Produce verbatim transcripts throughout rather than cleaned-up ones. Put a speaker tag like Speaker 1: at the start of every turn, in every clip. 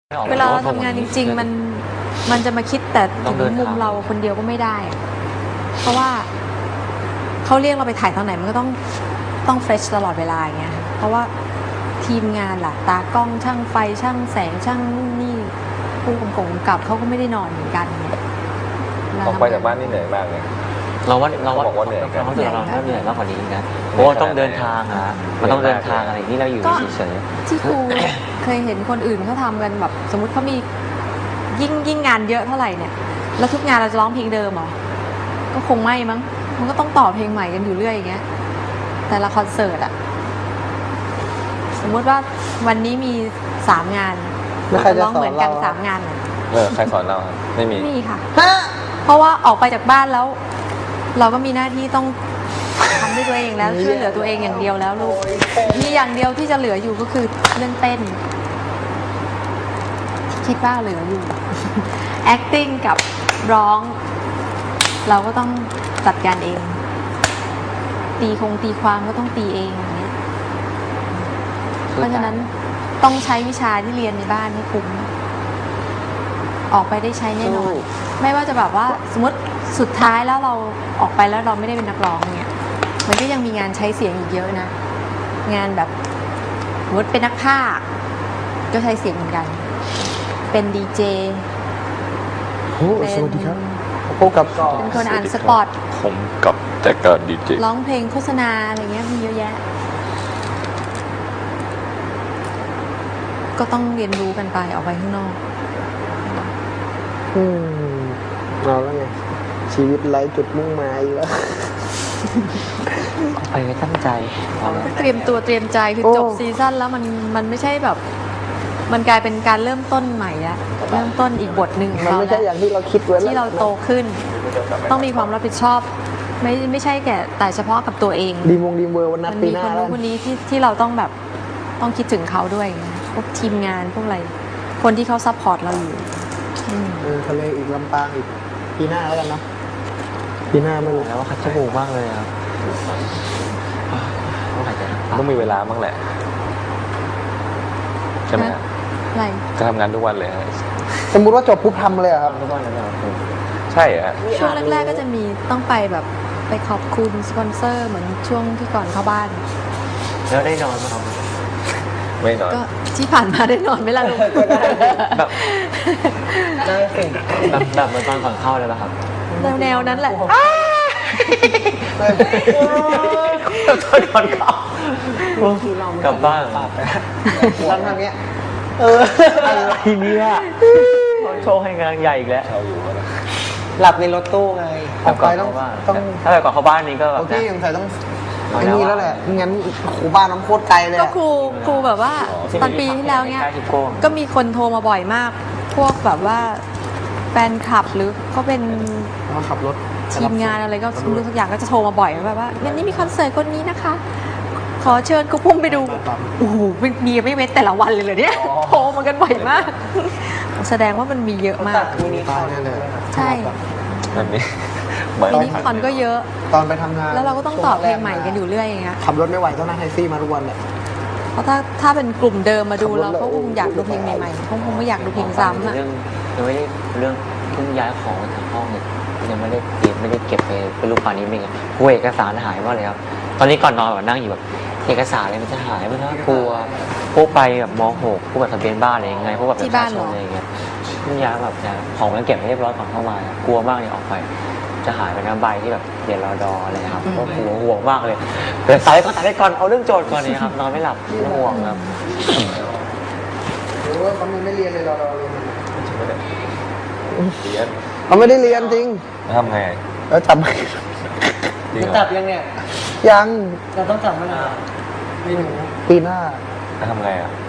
Speaker 1: เวลาเราทำงานจริงๆมันมันจะมาคิดแต่ถึงมุมเราคนเดียวก็ไม่ได้ เพราะว่าเขาเรียกเราไปถ่ายตอนไหนมันก็ต้องต้องเฟรชตลอดเวลาอย่างเงี้ยเพราะว่าทีมงานล่ะตากล้องช่างไฟช่างแสงช่างนู่นนี่ผู้กำกับกับเขาก็ไม่ได้นอนเหมือนกันเนี่ย
Speaker 2: ออกไปจากบ้านนี่เหนื่อยมากเลย
Speaker 3: เราว่าเราว่า
Speaker 2: บอกว่าเหนื่อยกัน
Speaker 3: เราเราเราเหนื่อยมากกว่านี้นะเพราะว่าต้องเดินทางอะมันต้องเดินทางอะไรนี่เราอยู่เฉย
Speaker 1: ที่ครู เคยเห็นคนอื่นเขาทำกันแบบสมมติเขามียิ่งยิ่งงานเยอะเท่าไหร่เนี่ยแล้วทุกงานเราจะร้องเพลงเดิมเหรอก็คงไม่มั้งมันก็ต้องต่อเพลงใหม่กันอยู่เรื่อยอย่างเงี้ยแต่ละคอนเสิร์ตอะสมมติว่าวันนี้มีสามงานร้องเหมือนกันสามงาน
Speaker 2: เออใครสอนเราครับไม่มี
Speaker 1: ไม่มีค่ะเพราะว่าออกไปจากบ้านแล้ว เราก็มีหน้าที่ต้องทำด้วยตัวเองแล้วช่วยเหลือตัวเองอย่างเดียวแล้วลูกมีอย่างเดียวที่จะเหลืออยู่ก็คือเรื่องเต้นคิดว่าเหลืออยู่ acting กับร้อง เราก็ต้องจัดการเอง ตีคงตีความก็ต้องตีเองอย่างเงี้ยเพราะฉะนั้นต้องใช้วิชาที่เรียนในบ้านให้คุ้มออกไปได้ใช้แน่นอนไม่ว่าจะแบบว่าสมมติสุดท้ายแล้วเราออกไปแล้วเราไม่ได้เป็นนักร้องเนี่ยมันก็ยังมีงานใช้เสียงอีกเยอะนะงานแบบสมมติเป็นนักพากย์ก็ใช้เสียงเหมือนกันเป็นดีเจ
Speaker 4: โอ้สวัสดีครับพบกับ
Speaker 1: เป็นคนอ่านสปอต
Speaker 2: ผมกับแต่การดีเจ
Speaker 1: ร้องเพลงโฆษณาอะไรเงี้ยมีเยอะแยะก็ต้องเรียนรู้กันไปออกไปข้างนอก
Speaker 4: อืมเอาแล้วไงชีวิตไร้จุดมุ่งหมายอีกแล้ว
Speaker 3: ๆไปไม่ตั้งใจเอาละ
Speaker 1: เตรียมตัวเตรียมใจคือ
Speaker 4: โอ้
Speaker 1: จบซีซั่นแล้วมันมันไม่ใช่แบบ มันกลายเป็นการเริ่มต้นใหม่อะเริ่มต้นอีกบทหนึ่งของ
Speaker 4: มัน
Speaker 1: เรา
Speaker 4: ไม่
Speaker 1: แล้
Speaker 4: ใช่
Speaker 1: ว
Speaker 4: อย่างที่เราคิดไว้แล้ว
Speaker 1: ที่เราโตขึ้น ต้องมีความรับผิดชอบ ไม่ไม่ใช่แก่แต่เฉพาะกับตัวเอง
Speaker 4: ดีมงดีเวอร์วันนั
Speaker 1: มั
Speaker 4: ด
Speaker 1: น
Speaker 4: ปี
Speaker 1: มี
Speaker 4: หน้า
Speaker 1: คน
Speaker 4: แล้
Speaker 1: นู้
Speaker 4: วน
Speaker 1: คนนี้ที่ที่เราต้องแบบต้องคิดถึงเขาด้วยพวกทีมงานพวกอะไร คนที่เขาซัพพอร์ตเราอยู่อืม
Speaker 4: เออทะเลอีกลำปางอีกปีหน้าแล้วกันเนาะปีหน้าไม่รู้
Speaker 3: แล้วว่าคัดจมูกมากเลยครับต้องหายใจนะ
Speaker 2: ต้องมีเวลาบ้างแหละใช่ไหมครับ
Speaker 1: อะไร
Speaker 2: จะทำงานทุกวันเลยฮะ
Speaker 4: สมมุติว่าจบปุ๊บทำเลยเหรอครับ
Speaker 3: ทุกวันเลยครับ
Speaker 2: ใช่ฮะ
Speaker 1: ช่วงแรกๆก็จะมีต้องไปแบบไปขอบคุณสปอนเซอร์เหมือนช่วงที่ก่อนเข้าบ้าน
Speaker 3: แล้วได้นอนไหมครับ
Speaker 2: ไม่นอน
Speaker 1: ก็ที่ผ่านมาได้นอนไหมล่ะลูก
Speaker 3: แบบแบบแบบเหมือนตอนก่อนเข้าเลยป่ะครับ
Speaker 1: แนวๆนั้นแหละ
Speaker 3: ตอนก่อนเข้ากลับบ้าน
Speaker 4: ทำทางเนี้ย
Speaker 3: เอออะไรเนี่ยโชว์ให้งานใหญ่อีกแล้ว
Speaker 2: เช่าอยู่ก็ได้
Speaker 4: หลับในรถตู้ไงออกไปต้องต้อง
Speaker 3: ถ้าไปก่อนเข้าบ้านนี้ก็แบบ
Speaker 4: โอเค
Speaker 3: นะ
Speaker 4: สงสัยต้องไอ้นี่แล้วแหละไม่งั้นครูบ้านน้ำโคตรไกลเลย
Speaker 1: ก็
Speaker 4: อะ
Speaker 1: ครูครูแบบว่าตอนปีที่แล้วเนี้ย
Speaker 3: ใกล้ชิโก้
Speaker 1: ก็มีคนโทรมาบ่อยมาก พวกแบบว่าแฟนคลับหรือเขาเป็น
Speaker 4: เขาขับรถ
Speaker 1: ทีมงานอะไรก็ไม่รู้สักอย่างก็จะโทรมาบ่อยแบบว่าวันนี้มีคอนเสิร์ตคนนี้นะคะ ขอเชิญครูพุ่มไปดูโอ้โหมีไม่เว้นแต่ละวันเลยเหรอเนี่ยโทรมากันบ่อยมาก แสดงว่ามันมีเยอะมาก
Speaker 4: มีป้ายแน่เลย
Speaker 1: ใช่
Speaker 2: นั่นนี่เหมือน
Speaker 1: มินิคอนก็เยอะ
Speaker 4: ตอนไปทำงาน
Speaker 1: แล้วเราก็ต้องต่อเพลงใหม่กันอยู่เรื่อยอย่างเงี้ย
Speaker 4: ขับรถไม่ไหวต้องนั่งแท็กซี่มาทุกวันเลย
Speaker 1: เพราะถ้าถ้าเป็นกลุ่มเดิมมาดูเราเขาคงอยากดูเพลงใหม่ๆเขาคงไม่อยากดูเพลงซ้ำอะ
Speaker 3: เรื่องยังไม่ได้เรื่องเพิ่งย้ายของมาจากห้องเนี่ยยังไม่ได้เก็บไม่ได้เก็บไปเป็นรูปป่านนี้เป็นไงกลัวเอกสารหายมากเลยครับตอนนี้ก่อนนอนแบบนั่งอยู่แบบเอกสารอะไรมันจะหายมันน่ากลัวพวกไปแบบม หกพวกแบบทะเบียนบ้านอะไรยังไงพวกแบบประชาชนอะไรอย่างเงี้ยเพิ่งย้ายแบบจะของมันเก็บให้เรียบร้อยก่อนเข้ามากลัวมากเลยออกไป จะหายไปน้ำใบที่แบบเรียนรอดออะไรครับก็กลัวห่วงมากเลยแต่สายก็สายไปก่อนเอาเรื่องโจทย์ก่อนเนี่ยครับนอนไม่หลับห่วงครับ
Speaker 4: หรือว่าเขาไม่เรียนเลยเราเราเรียน
Speaker 2: เรียน
Speaker 4: เขาไม่ได้เรียนจริง
Speaker 2: แล้วทำไง
Speaker 4: แล้วจำไม่
Speaker 2: จริงเหร
Speaker 5: จั
Speaker 2: อบ
Speaker 5: ยังเนี่ย
Speaker 4: ยัง
Speaker 5: เราต้องจับมันอ่ะไม่หนู
Speaker 4: ปีหน้า
Speaker 2: แล้วทำไงอ่ะ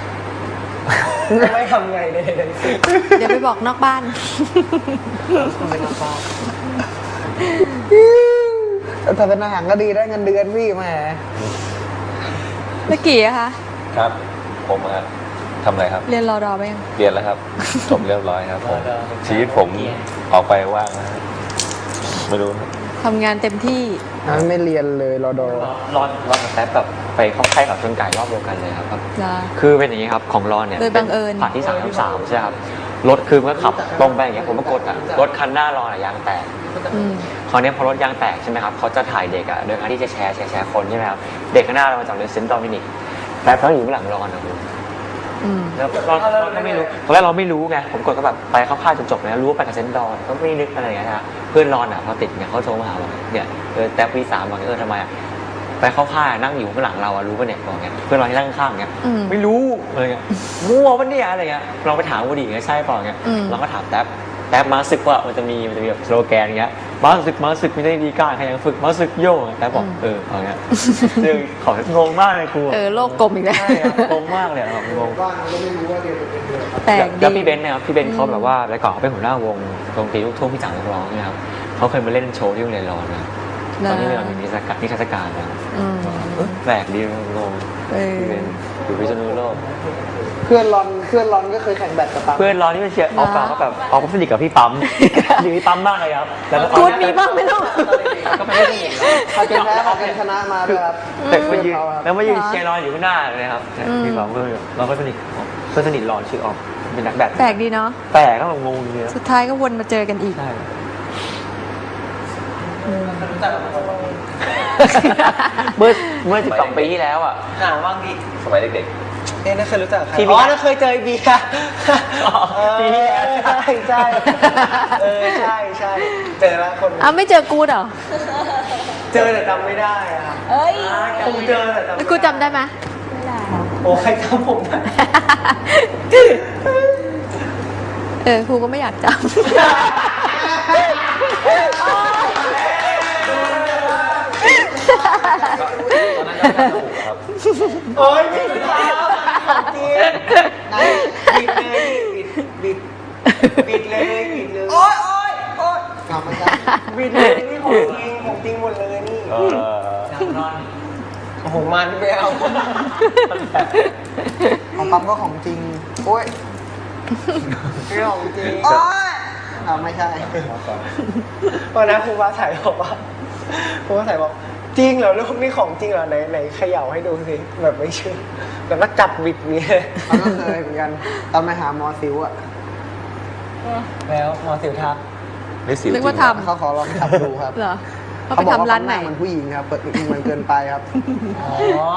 Speaker 5: ไม่ทำไงเลยเลยสิ
Speaker 1: เดี๋ยวไปบอกนอกบ้าน
Speaker 5: ไม่ทำบ้า
Speaker 4: แต่เป็นอาหารก็ดีได้เงินเดือนพี่แหม
Speaker 1: เมื่อกี้อะคะ
Speaker 2: ครับ ผมครับทำอะไรครับ
Speaker 1: เรียนรอดอไปยัง
Speaker 2: เรียนแล้วครับ จบเรียบร้อยครับผมชีวิตผมออกไปว่างนะไม่รู้นะ
Speaker 1: ทำงานเต็มที่
Speaker 4: อันไม่เรียนเลยรอดอ
Speaker 3: รอนรอนกับแท็บแบบไปเข้าค่ายกับชนไก่รอบเดียวกันเลยครับ
Speaker 1: เหรอ
Speaker 3: คือเป็นอย่างนี้ครับของรอนเนี่ย
Speaker 1: โดยบังเอิญ
Speaker 3: ผ่านที่สามสามใช่ครับรถคือเมื่อขับตรงไปอย่างเงี้ยผมก็กดอ่ะรถคันหน้ารอนอะยางแตก
Speaker 1: อืม
Speaker 3: คราวนี้พอรถยางแตกใช่ไหมครับเขาจะถ่ายเด็กอ่ะโดยการที่จะแชร์แชร์แชร์คนใช่ไหมครับเด็กข้างหน้าเรามาจากเรนเซนต์ดอมินิกแต่เขาอยู่ข้างหลังรอนนะคุณ
Speaker 1: อืม
Speaker 3: แล้วเราเราก็ไม่รู้ตอนแรกเราไม่รู้ไงผมกดก็แบบไปเข้าค่ายจนจบแล้วรู้ว่าไปกับเซนต์ดอนก็ไม่นึกอะไรอย่างเงี้ยนะเพื่อนรอนอ่ะพอติดเนี่ยเขาโทรมาหาบอกเนี่ยเออแท็บวีสามบอกเออทำไมอ่ะไปเข้าค่ายนั่งอยู่ข้างหลังเราอะรู้ป่ะเนี่ยบอกเงี้ยเพื่อนเราที่นั่งข้างๆเงี้ย
Speaker 1: อืม
Speaker 3: ไม่รู้อะไรเงี้ยมั่วปะเนี่ยอะไรเงี้ยลองไปถามกูดิเงี้ยใช่เปล่าเงี้ย
Speaker 1: อืม
Speaker 3: เราก็ถามแท็บแท็บมาสึกว่ามันจะมีมันจะมีแบบสโลแกนเงี้ยมาสึกมาสึกไม่ได้ดีกล้าใครยังฝึกมาสึกโย่แท็บบอกเออเอาเงี้ยซึ่งของงมากเลยครู
Speaker 1: เออโลกกลมอีกแล้ว
Speaker 3: ใช่ครับงงมากเลยอะแบบงง
Speaker 4: บ้านก็ไม่รู้ว่าเรียนเป็นเดือน
Speaker 1: แปลก
Speaker 3: แล้ว
Speaker 1: ดี
Speaker 3: พี่เบนซ์เนะครับพี่เบนซ์เขาแบบว่าแต่ก่อนเขาเป็นหัวหน้าวงดนตรีลูกทุ่งพี่จ๋านักร้องเนี่ยครับเขาเคยมาเล่นโชว์ที่โรงเรียนรอนนะตอนนี้เรามีนิทรรศการนิทรรศการนะ
Speaker 1: อืม
Speaker 3: เอ้ยแปลกดีงง
Speaker 1: เออ
Speaker 3: พี่เบนซ์อยู่พิษณุโลก
Speaker 4: เพื่อนรอนเพื่อนรอนก็เคยแข่งแบดกับปั๊ม
Speaker 3: เพื่อนรอนที่เป็นเชียร์ออฟเปล่าก็แบบออฟก็สนิทกับพี่ปั๊มอยู่ที่ปั๊มมากเลยครับแล้วก็
Speaker 1: กูดมีบ้างไหมลูก
Speaker 3: ก็ไม่ได้สนิทหรอก
Speaker 4: ใครเป็นแพ้ใครเป็นชนะมาด้วยครับ
Speaker 3: แต่มายืน
Speaker 4: เขาครับ
Speaker 3: แล้วมายืนเชียร์รอนอยู่ข้างหน้าเลยครับ
Speaker 1: อืม
Speaker 3: พี่ปั๊มก็เราก็สนิทเพื่อนสนิทรอนชื่อออฟเป็นนักแบด
Speaker 1: แปลกดีเนาะ
Speaker 3: แปลกก็แบบงงเลย
Speaker 1: สุดท้ายก็วนมาเจอกันอีก
Speaker 3: ใช่
Speaker 5: รู้จักกับคน
Speaker 3: เมื่อเมื่อสิบสองปีที่แล้วอ่ะ
Speaker 5: หาว่างดิ
Speaker 2: สมัยเด็ก
Speaker 5: เอ๊ะน่าเคยรู้จักใคร
Speaker 3: ที่
Speaker 5: อ๋อ
Speaker 3: มี
Speaker 5: น่าเคยเจอไอ้เบียร์
Speaker 3: อ๋อปีที่แล้ว
Speaker 5: ใช่ใช่เออใช่ใช่เจอแล้วคน
Speaker 1: อ้าวไม่เจอกูดเหรอ
Speaker 5: เจอแต่จำไม่ได้อะ
Speaker 1: เอ้ย
Speaker 5: คงเจอแต่จำไม่
Speaker 1: แล้วกูจำได้ไหม
Speaker 5: โอ้ใครจำผมได้
Speaker 1: เออครูก็ไม่อยากจำ
Speaker 2: ๆก็ตอนนั้นก็จมูกครับ
Speaker 5: โอ้ยผิดแล้วจริงไหนบิดเลยบิดบิดบิดเลยบิดเลยโอ้ยโอ้ยโอ้ย
Speaker 4: กลับมาจ้ะ
Speaker 5: บิดเลยนี่ของจริงของจริงหมดเลยนี่
Speaker 2: เออ
Speaker 5: โอ้โหมันไม่เอา
Speaker 4: ของปั๊มก็ของจริง โอ้ย
Speaker 5: ไม่ของจริง
Speaker 4: โอ้ยอ่าไม่ใช่
Speaker 5: วันนั้นครูฟ้าใสบอกว่าครูฟ้าใสบอกจริงเหรอลูกนี่ของจริงเหรอไหนไหนเขย่าให้ดูสิแบบไม่เชื่อแบบว่าจับบิดนี้เลย
Speaker 4: ตอนนั้นเคยเหมือนกัน ตอนไปหาหมอสิวอ่ะ
Speaker 5: แล้วหมอสิวทัก
Speaker 2: ไม่สิวจ
Speaker 1: นึ
Speaker 2: ริ
Speaker 1: ก
Speaker 2: ง
Speaker 1: ว่า
Speaker 2: เหรอ
Speaker 1: ทำ
Speaker 4: เขาขอลองจับดูครับ
Speaker 1: เหรอเขา
Speaker 4: เขา
Speaker 1: ไป
Speaker 4: บอกว่า
Speaker 1: ทำร้าน
Speaker 4: ห
Speaker 1: ไหน
Speaker 4: น้าเหมันผู้หญิงครับเปิดมันเกินไปครับ
Speaker 5: อ๋อ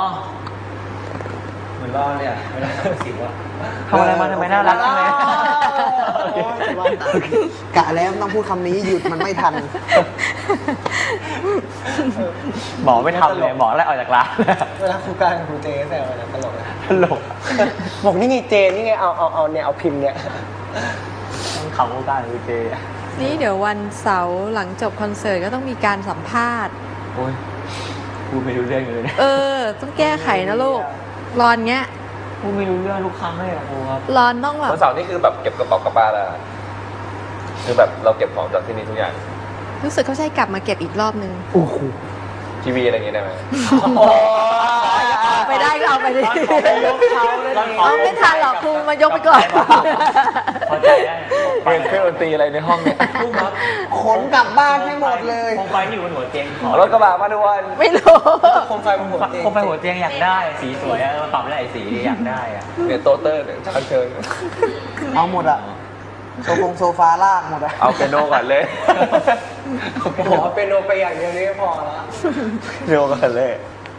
Speaker 3: เหมือนรอนเลยอ่ะเวลาทำสิวอ่ะทำอะไรมาทำไมน่ารักจังเลย
Speaker 5: โอ้ยจะว่าก
Speaker 4: ะแล้วต้องพูดคำนี้หยุดมันไม่ทัน
Speaker 3: หมอไม่ทำเลยหมอไล่ออกจากร้าน
Speaker 5: เวลาครูการกับครูเจแซวกันนะตลกนะ
Speaker 3: ตลก
Speaker 5: บอกนี่ไงเจนี่ไงเอาเอาเอาเนี่ยเอาพิมพ์เนี่ย
Speaker 3: ต้องขำกูการกูเจอ่ะ
Speaker 1: นี่เดี๋ยววันเสาร์หลังจบคอนเสิร์ตก็ต้องมีการสัมภาษณ์
Speaker 3: โอ้ยกูไม่รู้เรื่องเลยนะ
Speaker 1: เออ ต้องแก้ไขนะลูก รอนเงี้ย
Speaker 3: กูไม่รู้เรื่องทุกครั้งเลยอ่ะกูครับ
Speaker 1: รอนต้องแบบ
Speaker 2: วันเสาร์นี่คือแบบเก็บกระเป๋ากลับบ้านแล้วคือแบบเราเก็บของจากที่นี่ทุกอย่าง
Speaker 1: รู้สึกเขาใช้กลับมาเก็บอีกรอบนึง
Speaker 2: ทีวีอะไรอย่างเงี้ยได้ไหม
Speaker 1: เอาไปได้ก็เอาไปดิ
Speaker 3: ยกเขาเลย
Speaker 1: เอาไม่ทันหรอกครูมายกไปก่อน
Speaker 3: พอใจได้
Speaker 2: เปลี่ยนเครื่องดนตรีอะไรในห้องเนี่ย
Speaker 3: ลูกครับ
Speaker 4: ขนกลับบ้านให้หมดเลย
Speaker 3: โคมไฟที่อยู่บนหัวเตียงขอ
Speaker 2: รถกระบะมาทุกวัน
Speaker 1: ไม่รู้
Speaker 5: โคมไฟบนหัวเตียง
Speaker 3: โคมไฟหัวเตียงอยากได้ สีสวยอะมาปรับได้สีดีอยากได้อะ
Speaker 2: เนี่ยโตเตอร์เนี่ยชันเชิญ
Speaker 4: เอาหมดอ่ะโซฟงโซฟาลากหมดอ่ะ
Speaker 2: เอาเปียโนก่อนเลย
Speaker 5: โอ้โหเป็นโนไปอย่างเดียวนี่ก็พอแล้ว
Speaker 2: เปียโนก่อนเลย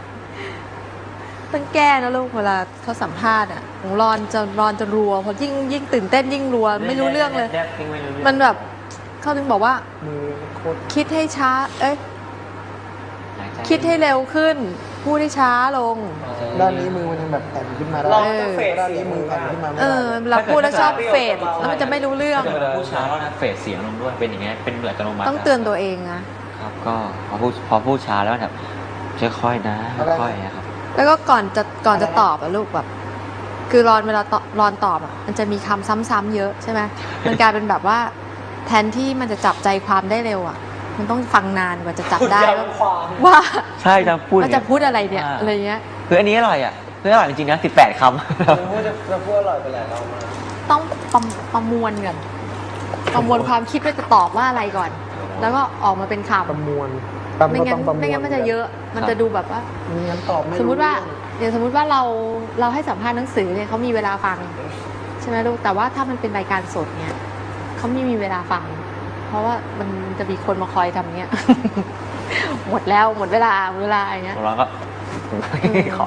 Speaker 1: ต้องแก้นะลูกเวลาเขาสัมภาษณ์อ่ะของรอนจะรอนจะรัวเพราะยิ่งยิ่งตื่นเต้นยิ่งรัว ไม่รู้เรื่องเลย
Speaker 3: ไม่รู้เรื่อง
Speaker 1: มันแบบเขาถึงบอกว่า
Speaker 5: มือโคตร
Speaker 1: คิดให้ช้า เอ้ยคิดให้เร็วขึ้น พูดให้ช้าลง
Speaker 4: ด้านนี้มือมันยังแบบแผ่นขึ้นมาได้
Speaker 5: ลองต้องเฟด
Speaker 4: ด้าน
Speaker 5: เสีย
Speaker 4: นี้
Speaker 5: ง
Speaker 4: มื
Speaker 5: มื
Speaker 4: อ
Speaker 5: อ
Speaker 4: แผ่นขึ้นมาไม่
Speaker 1: เอ
Speaker 4: ได้
Speaker 1: อเราพูดแล้วชอบเฟดแล้วมันจะไม่รู้เรื่อง
Speaker 3: ถ้าเวลาพูดช้าแล้วนะเฟดเสียงลงด้วยเป็นอย่างเงี้ยเป็นเหมือนอัตโนมัติ
Speaker 1: ต้องเตือนตัวเองนะ
Speaker 3: ครับก็พอพูดพอพูดช้าแล้วแบบค่อยๆนะค่อยๆนะครับ
Speaker 1: แล้วก็ก่อนจะก่อนจะตอบอะลูกแบบ คือรอนเวลาตอบรอนตอบอะมันจะมีคำซ้ำๆเยอะใช่ไหมมันกลายเป็นแบบว่า แทนที่มันจะจับใจความได้เร็วอะมันต้องฟังนานกว่าจะจับได้ว่า
Speaker 5: ความ
Speaker 1: ว่า
Speaker 3: ใช่จะพูด
Speaker 1: ว่าจะพูดอะไรเนี่ยอะไรเงี้ย
Speaker 3: คืออันนี้อร่อยอ่ะคืออร่อยจริงๆนะสิบแปดคำ
Speaker 5: พูดจะจะพูดอร่อยไปหลายรอบมาก
Speaker 1: ต้องประประมวลก่อนประมวลความคิดว่าจะตอบว่าอะไรก่อนแล้วก็ออกมาเป็นข่าว
Speaker 4: ประมวลแป๊บ
Speaker 1: ไม่
Speaker 4: ก็
Speaker 1: งั้
Speaker 4: ต้อน งประมวล
Speaker 1: ไม่งั้นมันจะเยอะ มันจะดูแบบว่า
Speaker 4: ไม่งั้นตอบไม่รู้
Speaker 1: สมมุติว่า
Speaker 4: เรื่อง
Speaker 1: อย่างสมมุติว่าเราเราให้สัมภาษณ์หนังสือเนี่ยเขามีเวลาฟัง ใช่ไหมลูกแต่ว่าถ้ามันเป็นรายการสดเนี่ยเขาไม่มีเวลาฟัง เพราะว่ามันจะมีคนมาคอยทำเนี้ย หมดแล้วหมดเวลาหมดเวลาอย่างเงี้ย
Speaker 3: แล้วก็ขอ